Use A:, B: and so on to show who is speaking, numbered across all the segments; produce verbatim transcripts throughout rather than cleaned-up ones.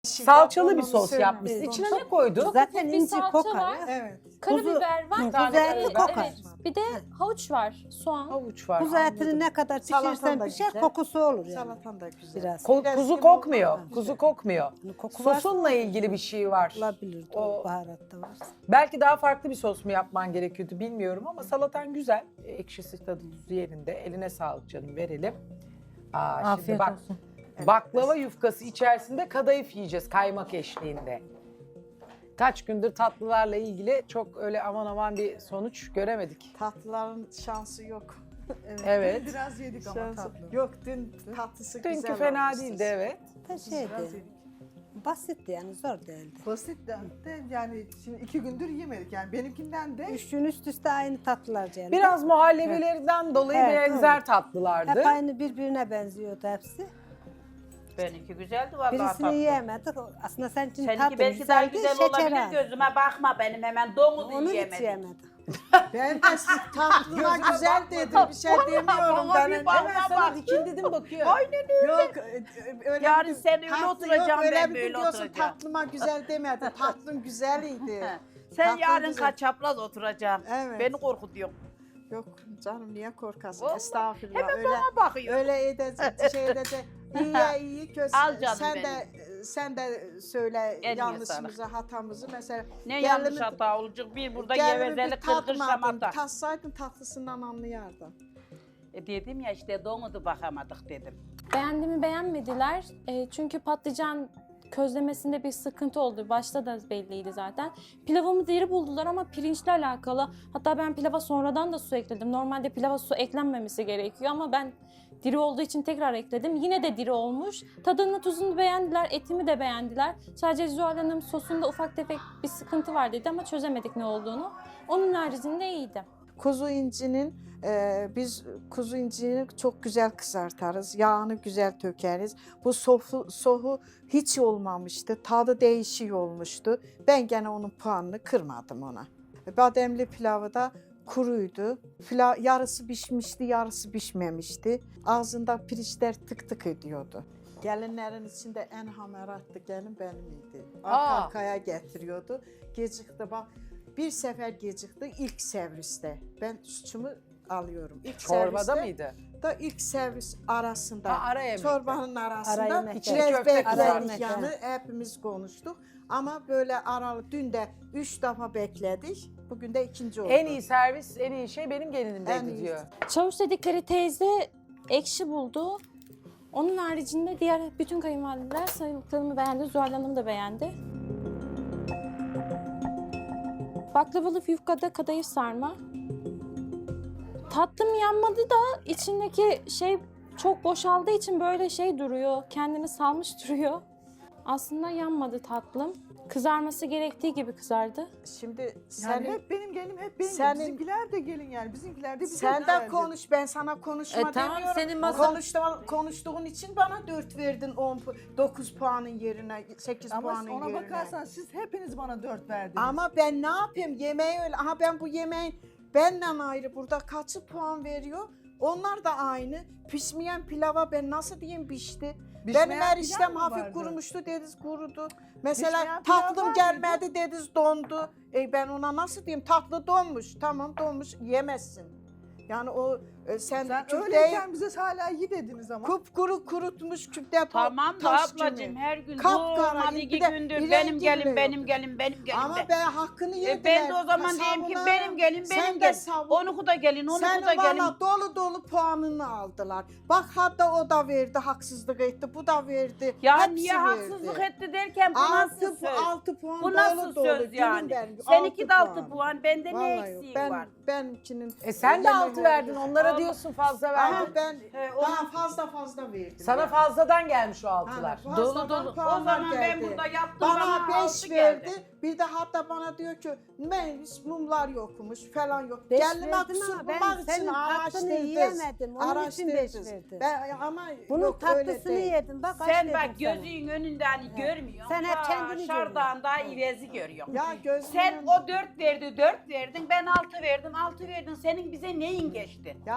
A: Salçalı bir
B: Onu
A: sos
B: söyleme.
A: yapmışsın. İçine ne koydun?
C: Zaten
D: bir
C: inci
D: salça
C: kokar
D: var.
C: ya.
B: Evet.
D: Karabiber var.
A: Kuzu
C: Kuzu eti
D: Evet,
C: kokar.
D: evet. Bir de havuç var, soğan.
A: Havuç var.
C: Kuzu etini
A: anladım.
C: ne kadar
B: Salatan
C: pişirirsen
B: da
C: pişer
B: güzel.
C: kokusu olur yani.
B: Salatan da güzel.
C: Biraz.
A: Ko-
B: Biraz
A: kuzu
B: gibi
A: kokmuyor.
B: olmaz.
A: Kuzu kokmuyor.
C: Koku varsa
A: Sosunla ilgili bir şey var.
C: olabilir.
A: O-
C: O baharat da varsa.
A: Belki daha farklı bir sos mu yapman gerekiyordu bilmiyorum ama salatan güzel. Ekşisi tadı tuzu yerinde. Eline sağlık canım, verelim. Aa, şimdi
E: Afiyet
A: bak,
E: olsun.
A: baklava yufkası içerisinde kadayıf yiyeceğiz kaymak eşliğinde. Kaç gündür tatlılarla ilgili çok öyle aman aman bir sonuç göremedik.
B: Tatlıların şansı yok.
A: Evet.
F: Biraz yedik ama
B: Şansı.
F: tatlı.
B: Yok dün tatlısı güzel
A: Dünkü fena
B: olmuştu.
A: değildi evet.
C: Da
F: Biraz
C: şeydi.
F: yedik.
C: Basitti yani zor değildi.
F: Basit de, de yani şimdi iki gündür yemedik yani benimkinden de
C: Üç gün üst üste aynı tatlılar geldi.
A: Biraz muhallebilerinden dolayı
C: Evet,
A: benzer
C: doğru.
A: tatlılardı.
C: Hep aynı birbirine benziyordu hepsi.
G: Benimki güzeldi vallahi
C: Birisini
G: tatlı.
C: yiyemedik. Aslında senin için
G: Seninki
C: tatlı
G: belki daha
C: güzeldi,
G: güzel
C: şeker
G: olabilir,
C: az.
G: gözüme bakma benim hemen domuzu
C: Onu hiç
G: yiyemedim.
C: yemedik.
B: Ben de tatlına güzel dedim. Bir şey demiyorum.
G: bana
B: Ben
G: bir
B: hemen
G: bak-
A: Hemen sana dikil dedim bakıyor.
B: Yok e, öyle
G: Yarın
B: bir-
G: sen öyle
B: tatlı
G: oturacaksın,
B: yok, öyle
G: ben
B: bir
G: böyle
B: gün diyorsun,
G: oturacağım.
B: tatlıma güzel demedin. Tatlın güzeliydi.
G: Sen
B: Tatlın
G: yarın
B: güzel.
G: kaçapraz oturacaksın.
B: Evet.
G: Beni korkutuyorsun.
B: Yok canım niye korkasın?
G: Vallahi.
B: Estağfurullah.
G: Hemen
B: öyle,
G: bana bakıyor.
B: öyle edecek şeyde de iyiye iyi kötü.
G: Al canım
B: sen
G: benim.
B: de sen de söyle
G: En iyi
B: yanlışımızı, hatamızı mesela.
G: Ne
B: gelini-
G: yanlış hata olacak bir burada
B: gelini
G: gevezeli
B: bir
G: kırkır
B: tatmadın,
G: şamata.
B: tatsaydın tatlısından anlayardın.
G: E dedim ya işte domuzu bakamadık dedim.
D: Beğendiğimi beğenmediler. E, çünkü patlıcan közlemesinde bir sıkıntı oldu. Başta da belliydi zaten. Pilavımı diri buldular ama pirinçle alakalı. Hatta ben pilava sonradan da su ekledim. Normalde pilava su eklenmemesi gerekiyor ama ben diri olduğu için tekrar ekledim. Yine de diri olmuş. Tadını tuzunu beğendiler, etimi de beğendiler. Sadece Zuhal Hanım sosunda ufak tefek bir sıkıntı var dedi ama çözemedik ne olduğunu. Onun haricinde iyiydi.
B: Kuzu incinin e, biz kuzu incini çok güzel kızartarız. Yağını güzel tökeriz. Bu sofu, sohu hiç olmamıştı. Tadı değişik olmuştu. Ben gene onun puanını kırmadım ona. Bademli pilavı da kuruydu. Pilav, yarısı pişmişti, yarısı pişmemişti. Ağzında pirinçler tık tık ediyordu. Gelinlerin içinde en hamaratlı gelin benim idi. Arka
A: Aa.
B: arkaya getiriyordu. Gecikti bak. Bir sefer gecikti ilk serviste. Ben suçumu alıyorum. İlk
A: Çorbada
B: serviste
A: mıydı?
B: da ilk servis arasında.
A: Ha, ara yemekte.
B: Çorbanın
C: Ara
B: arasında.
C: yemekte.
A: İçine
B: Biraz
A: köfte
B: bekledik
A: kızarmış.
B: yani hepimiz konuştuk. Ama böyle aralı dün de üç defa bekledik. Bugün de ikinci oldu.
A: En iyi servis, en iyi şey benim
B: En
A: gelinimdeydi
B: iyi.
A: diyor.
D: Çavuş dedikleri teyze ekşi buldu. Onun haricinde diğer bütün kayınvalideler sayılıklarımı beğendi. Zuhal Hanım da beğendi. Baklavalı yufkada kadayıf sarma. Tatlım yanmadı da içindeki şey çok boşaldığı için böyle şey duruyor. Kendini salmış duruyor. Aslında yanmadı tatlım. Kızarması gerektiği gibi kızardı.
B: Şimdi
F: yani
B: sen
F: hep benim gelim hep benim.
B: senin-
F: Bizimkiler de gelin yani. Bizimkiler de bize
B: sen de
F: güzeldi.
B: konuş, ben sana konuşma
E: E, tamam,
B: demiyorum.
E: senin masa-
B: Konuştuğun, konuştuğun için bana dört verdin, on, pu- dokuz puanın yerine, sekiz
F: Ama
B: puanın
F: ona
B: yerine.
F: bakarsan siz hepiniz bana dört verdiniz.
B: Ama ben ne yapayım? Yemeği öyle. Aha ben bu yemeğin benden ayrı burada kaçı puan veriyor? Onlar da aynı. Pişmeyen pilava ben nasıl diyeyim pişti?
F: Pişmeyen
B: Benim
F: pilav
B: eriştem
F: mı
B: hafif
F: vardı?
B: kurumuştu dediniz kurudu. Mesela
F: Pişmeyen pilav var
B: tatlım
F: mıydı?
B: gelmedi dediniz dondu. E ben ona nasıl diyeyim? Tatlı donmuş. Tamam donmuş yemezsin. Yani o e, sen,
F: Sen
B: küfteyi
F: öyleyken bize hala iyi dediniz ama.
B: kupkuru kurutmuş küpte ta-
G: Tamam da
B: taş
G: ablacığım
B: gibi.
G: her gün
B: Kapkara,
G: durmadı
B: bir
G: iki
B: de
G: gündür
B: ileri
G: benim
B: bile
G: gelin
B: yok.
G: benim gelin benim gelin
B: Ama
G: de.
B: ben hakkını yediler.
G: E ben de o zaman diyeyim ki
B: Savunarım.
G: benim gelin
B: Sen
G: benim
B: de
G: gelin.
B: savun.
G: Onu da gelin onu
B: Senin
G: da gelin.
B: valla dolu dolu puanını aldılar. Bak hatta o da verdi, haksızlık etti, bu da verdi.
G: Ya
B: hepsi
G: niye
B: verdi.
G: haksızlık etti derken bu nasıl
B: Altı,
G: söz?
B: altı puan
G: Bu
B: dolu
G: nasıl
B: dolu.
G: söz
B: Gülüm
G: yani?
B: benim,
G: Seninki de altı
B: puan.
G: puan, bende ne
B: Vallahi yok.
G: eksiği
B: Ben,
G: var?
B: benimkinin...
A: E sen de
B: yemeği
A: altı verdin,
B: verdi.
A: onlara
G: Ama-
A: diyorsun fazla
B: Ama
A: verdin.
B: ben
G: He, o-
B: daha fazla fazla verdim.
A: Sana
B: yani.
A: fazladan gelmiş o
B: Ha,
A: altılar.
B: fazladan
G: Dolu dolu. O
B: puanlar
G: zaman ben
B: geldi.
G: burada yaptım
B: Bana
G: bana
B: beş
G: altı
B: verdi.
G: geldi.
B: Bir de hatta bana diyor ki Melis mumlar yokmuş falan yok.
C: Beş
B: Gelinime
C: verdim
B: kusur
C: ama ben
B: bulmak için
C: senin tatlını
B: araştırdınız.
C: yiyemedim. Onun için beş
B: Araştırdınız.
C: verdim.
B: Ben, ama
C: Bunun
B: yok, öyle
C: tatlısını
B: değil.
C: yedim. Bak kaç
G: Sen
C: verdim
G: bak
C: sana.
G: gözünün önünde hani görmüyorsun.
C: Sen hep
G: Ta
C: kendini
G: Şardağın daha ivezi görüyorsun.
B: Ya gözümün
G: Sen
B: önünde-
G: o dört verdi, dört verdin. Ben altı verdim, altı verdin. Senin bize neyin geçti?
B: Ya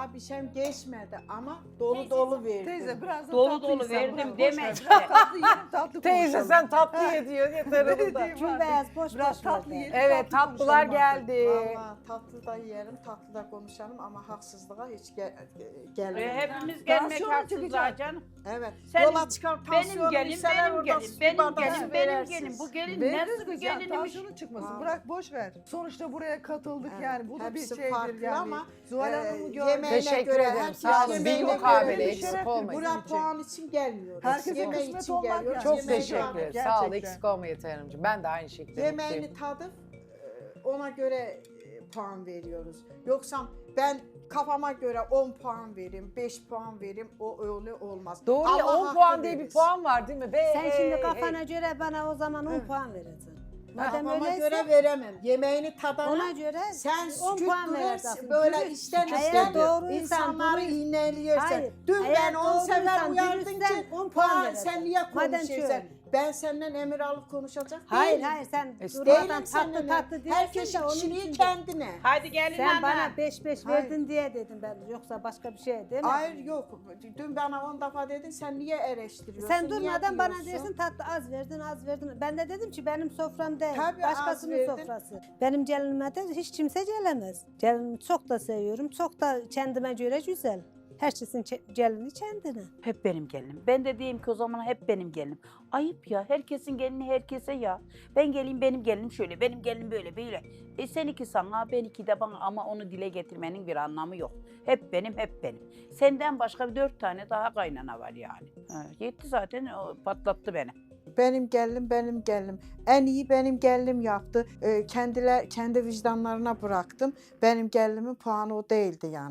B: Daha bir şeyim geçmedi ama dolu dolu verdim.
F: Teyze biraz da
G: Dolu
F: tatlı
G: dolu
F: yesen,
G: verdim
F: bırak, boş
G: deme
F: ver.
G: işte.
F: Biraz tatlı yiyelim, tatlı
A: Teyze
F: konuşalım.
A: sen tatlı ye diyor yeter
F: Öyle
A: onda.
F: diyeyim
C: Tüm
F: artık.
C: beyaz boş
F: Biraz
C: boş
F: tatlı
C: ver.
F: yiyelim.
A: Evet
F: tatlı
A: tatlılar
F: konuşalım artık.
A: geldi.
B: Valla tatlı da yiyelim, tatlı da konuşalım ama haksızlığa hiç gel
G: E,
B: gelmiyor.
G: hepimiz gelmek
F: Tansiyon
G: haksızlar
F: çıkacak.
G: canım.
B: Evet.
G: Sen-
B: Yola çıkar
G: Benim
B: tansiyonu
G: gelin,
B: yükseler,
G: benim
B: orada
G: gelin,
B: su
G: benim
B: bardağı
G: gelin,
B: su
G: benim
B: verersiniz.
G: gelin. Bu gelin
F: Veririz
G: nasıl bir
F: biz ya,
G: gelinmiş?
F: tansiyonu çıkmasın.
B: Aa.
F: Bırak boş ver. Sonuçta buraya katıldık
B: Evet,
F: yani. Bu da bir
B: hepsi
F: şeydir
B: farklı
F: yani.
B: ama,
F: Zuhal
B: Ee,
F: Hanım'ı gördük.
B: yemeğine
A: Teşekkür
B: göre,
A: ederim.
B: herkes
A: Sağ olun.
B: yemeğine
A: Bilmukabele
B: göre-
A: eksik
F: şeref
A: olmayın.
B: Buraya
F: bizim için.
B: puan için gelmiyoruz.
F: Herkese
B: Yemeği
F: kısmet
B: için
F: olmak
B: geliyoruz.
F: yani.
A: Çok
B: yemeği
A: teşekkür
B: tadıp-
A: ederim. Sağ ol
F: Gerçekten.
A: eksik olma Yeter Hanımcığım. Ben de aynı şekilde
B: Yemeğini
A: mutluyum.
B: tadıp e, ona göre e, puan veriyoruz. Yoksa ben kafama göre on puan vereyim, beş puan vereyim, o öyle olmaz.
A: Doğru ya
B: Allah
A: on
B: hakkı
A: puan diye bir
B: verir.
A: puan var değil mi? Be,
C: Sen
A: hey,
C: şimdi
A: hey.
C: kafana göre bana o zaman on
B: Evet.
C: puan verirsin. Madem
B: Kafama
C: öyleyse
B: göre veremem. Yemeğini tadana
C: ona göre
B: sen
C: on
B: küçük
C: puan
B: duruyorsun,
C: verirsin.
B: böyle
C: Dürüst-
B: işten
C: Eğer
B: işten
C: doğruysan,
B: insanları
C: dürüst-
B: iğneliyorsun.
C: Hayır,
B: Dün
C: eğer
B: ben on sefer
C: doğruysan,
B: uyardın
C: dürüstsen
B: ki
C: on puan
B: puan
C: verirsin.
B: sen niye
C: Madem
B: konuşuyorsun?
C: şöyle.
B: Ben senden emir alıp konuşacak
C: Hayır
B: değilim.
C: hayır sen
A: Estağfurullah.
C: durmadan
B: Değilim
C: tatlı
B: seninle.
C: tatlı diyorsun
B: Herkesin
C: da onun
B: kişiliği
C: için de-
B: kendine.
G: Hadi gelin
C: Sen
G: ana.
C: bana beş beş
B: Hayır.
C: verdin diye dedim ben. Yoksa başka bir şey demedim.
B: Hayır yok. Dün bana on defa dedin sen niye eleştiriyorsun?
C: Sen
B: niye
C: durmadan bana
B: diyorsun?
C: dersin tatlı az verdin az verdin. Ben de dedim ki benim sofram değil.
B: Tabii az
C: başkasının
B: verdin.
C: sofrası. Benim gelinime de hiç kimse gelemez. Gelinimi çok da seviyorum. Çok da kendime göre güzel. Herkesin çe- gelini kendine.
G: Hep benim gelinim. Ben de diyeyim ki o zaman hep benim gelinim. Ayıp ya. Herkesin gelini herkese ya. Ben geleyim benim gelinim şöyle, benim gelinim böyle böyle. E seninki sana, benimki de bana ama onu dile getirmenin bir anlamı yok. Hep benim, hep benim. Senden başka bir dört tane daha kaynana var yani. Ha, yetti zaten, o patlattı beni.
B: Benim gelinim benim gelinim. En iyi benim gelinim yaptı. Ee, kendiler kendi vicdanlarına bıraktım. Benim gelinimin puanı o değildi yani.